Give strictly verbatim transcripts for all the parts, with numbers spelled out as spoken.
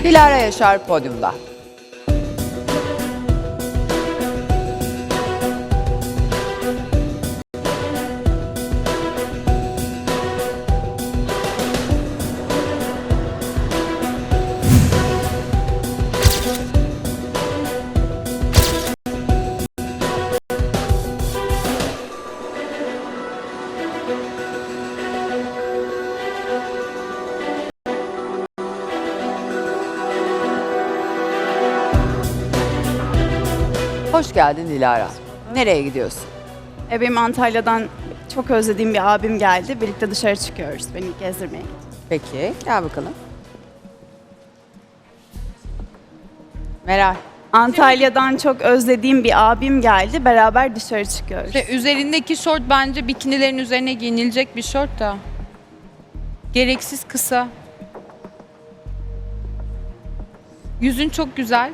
Dilara Yaşar podyumda. Hoş geldin Dilara. Nereye gidiyorsun? E, benim Antalya'dan çok özlediğim bir abim geldi. Birlikte dışarı çıkıyoruz. Beni gezdirmeye gitti. Peki, gel bakalım. Meral. Antalya'dan çok özlediğim bir abim geldi. Beraber dışarı çıkıyoruz. İşte üzerindeki şort bence bikinilerin üzerine giyinilecek bir şort da. Gereksiz kısa. Yüzün çok güzel.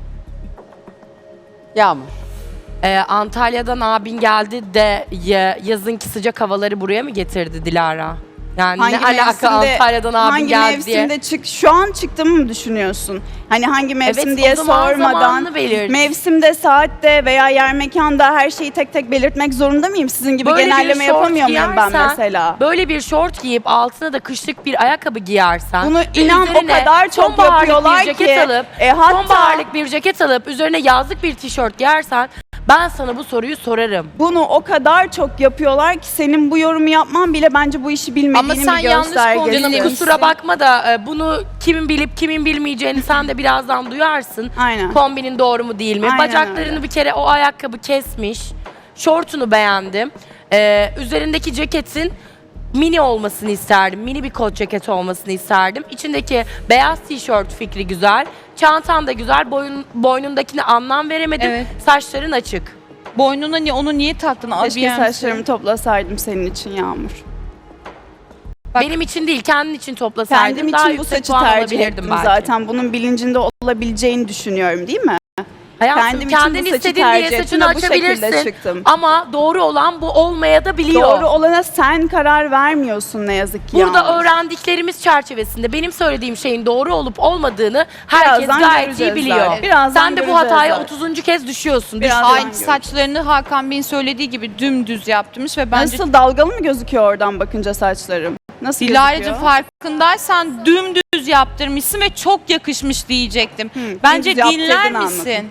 Yağmur. Ee, Antalya'dan abin geldi de ya- yazınki sıcak havaları buraya mı getirdi Dilara? Yani ne alaka Antalya'dan abin hangi geldi diye. mevsimde çık? Şu an çıktığımı mı düşünüyorsun? Hani hangi mevsim Evet, diye o zaman sormadan zamanını belirt. mevsimde, saatte veya yer mekanda her şeyi tek tek belirtmek zorunda mıyım? Sizin gibi Böyle bir genelleme şort yapamıyor muyum ben giyersen, mesela? Böyle bir şort giyip altına da kışlık bir ayakkabı giyersen. Bunu ve inan o üzerine kadar çok sonbaharlık yapıyorlar bir ceket ki, alıp, e, hatta- sonbaharlık bir ceket alıp üzerine yazlık bir tişört giyersen ben sana bu soruyu sorarım. Bunu o kadar çok yapıyorlar ki senin bu yorumu yapman bile bence bu işi bilmediğinin Ama sen bir yanlış göstergesi. kombinle- Canım Dinlemişsin. kusura bakma da e, bunu kimin bilip kimin bilmeyeceğini sen de birazdan duyarsın. Aynen. Kombinin doğru mu değil mi? Aynen Bacaklarını öyle. bir kere o ayakkabı kesmiş. Şortunu beğendim. Ee, üzerindeki ceketin mini olmasını isterdim. Mini bir kot ceket olmasını isterdim. İçindeki beyaz tişört fikri güzel. Çantan da güzel. Boyun, boynundakine anlam veremedim. Evet. Saçların açık. Boynuna ni onu niye taktın? Keşke Abiyemsi. saçlarımı toplasaydım senin için Yağmur. Bak- Benim için değil, kendin için toplasaydın Kendim daha için bu yüksek saçı puan tercih alabilirdim ettim belki. zaten. Bunun bilincinde olabileceğini düşünüyorum değil mi? Hayatım, Kendim için kendin bu saçı istediğin tercih diye ettim saçını ve bu şekilde açabilirsin. çıktım. Ama doğru olan bu olmaya da biliyor. Doğru olana sen karar vermiyorsun ne yazık ki Burada Yağmur. öğrendiklerimiz çerçevesinde benim söylediğim şeyin doğru olup olmadığını herkes Birazdan gayet iyi göreceğiz biliyor. zaten. Birazdan Sen de bu göreceğiz hataya zaten. otuzuncu kez düşüyorsun. Biraz- Düş- Aynı görüyorum. saçlarını Hakan Bey'in söylediği gibi dümdüz yaptırmış ve bence Nasıl dalgalı mı gözüküyor oradan bakınca saçlarım? Nasıl Dilara'cığım gözüküyor? farkındaysan dümdüz yaptırmışsın ve çok yakışmış diyecektim. Hı, Bence dümdüz dinler yaptırdın misin? anladım.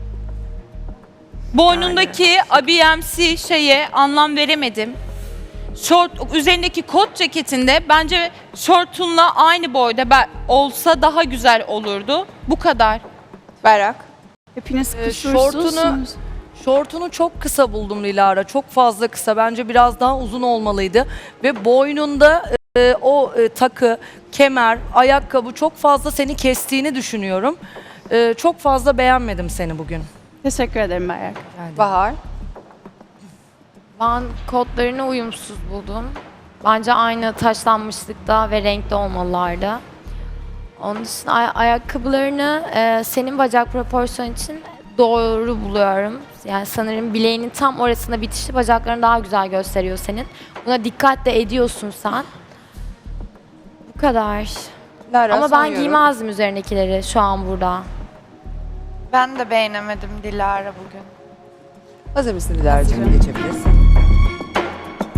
Boynundaki abiyemsi şeye anlam veremedim. Şort, üzerindeki kot ceketinde bence şortunla aynı boyda ben, olsa daha güzel olurdu. Bu kadar. Berrak. Hepiniz Ee, kusursuzsunuz. şortunu- Şortunu çok kısa buldum Dilara. Çok fazla kısa. Bence biraz daha uzun olmalıydı. Ve boynunda e, o e, takı, kemer, ayakkabı çok fazla seni kestiğini düşünüyorum. E, çok fazla beğenmedim seni bugün. Teşekkür ederim Berrak. Bahar. Ben kodlarını uyumsuz buldum. Bence aynı taşlanmışlıkta ve renkte olmalılardı. Onun dışında ay- ayakkabılarını e, senin bacak proporsiyon için doğru buluyorum. Yani sanırım bileğinin tam orasında bitişi bacaklarını daha güzel gösteriyor senin. Buna dikkat de ediyorsun sen. Bu kadar. Lara, Ama son ben yorum. giymezdim üzerindekileri şu an burada. Ben de beğenemedim Dilara bugün. Hazır mısın Dilara'cığım? Geçebilirsin.